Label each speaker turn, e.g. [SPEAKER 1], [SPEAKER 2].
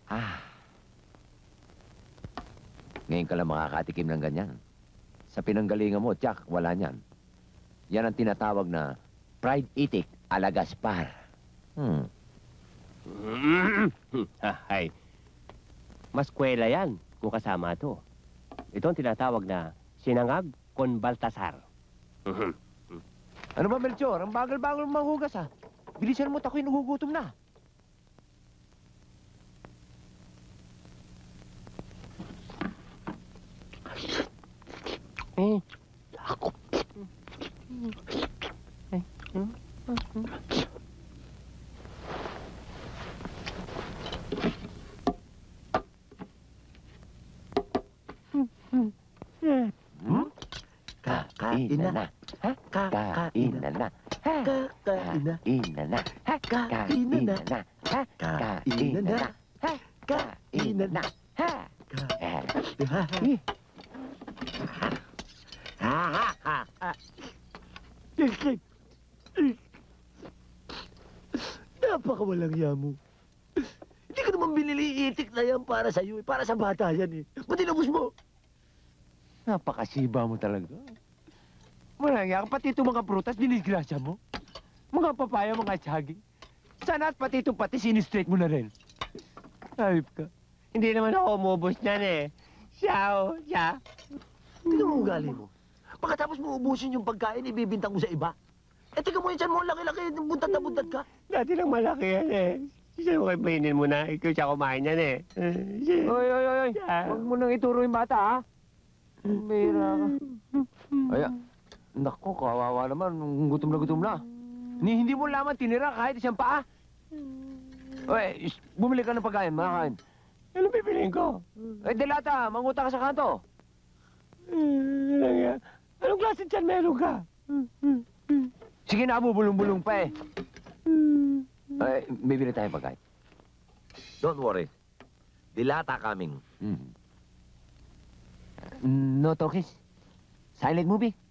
[SPEAKER 1] Ah. Ngayon ka lang makakatikim ng ganyan. Sa pinanggalingan mo, Jack, wala niyan. Yan ang tinatawag na fried itik a la Gaspar.
[SPEAKER 2] Ay, mas kwela yan kung kasama to. Ito ang tinatawag na sinangag con Baltasar.
[SPEAKER 1] Ano ba, Melchor? Ang bagal-bagal mong manghugas, ha? Bilisan mo, ako'y nagugutom na.
[SPEAKER 2] Ako.
[SPEAKER 1] Kain na na. Ha? Kain na na. Ha?
[SPEAKER 3] Kakain na.
[SPEAKER 1] Kain na na. Ha?
[SPEAKER 3] Kain na na.
[SPEAKER 1] Ha?
[SPEAKER 3] Kain na na.
[SPEAKER 1] Ha? Kain na na. Ha?
[SPEAKER 3] Napakawalang yamo. Hindi ko naman binili itik na yan para sa'yo eh. Para sa bata yan eh. Ba't inubos mo?
[SPEAKER 1] Napakasiba mo talaga. Wala nga, pati itong mga prutas, dinisgrasya mo. Mga papaya, mga saging. Sana at pati itong pati, sinistraight mo na rin. Ayop ka.
[SPEAKER 2] Hindi naman ako umubos niyan eh. Siya.
[SPEAKER 3] Tingnan mo ugali mo. Pagkatapos mo ubusin yung pagkain, ibibintang mo sa iba. Eh, tingnan mo yung tiyan mo, ang laki-laki, buntat na buntat ka.
[SPEAKER 2] Dati lang malaki yan eh. Siya mo kayo mainin mo na. Ikaw siya kumain yan eh.
[SPEAKER 1] Oy. Huwag mo nang ituro yung bata, ha? Bira ka. Ay, naku, kawawa naman. Gutom na. Hindi mo laman tinira kahit isang paa. Oy, bumili ka ng pagkain, makakain.
[SPEAKER 2] Ano bibiliin ko?
[SPEAKER 1] Ay, dilata, manguta ka sa kanto.
[SPEAKER 2] Anong klase tiyan meron ka?
[SPEAKER 1] Sige na, bubulong-bulong pa eh. Ay, bibili tayong pagkain.
[SPEAKER 3] Don't worry. Dilata coming.
[SPEAKER 1] No talkies. Silent movie.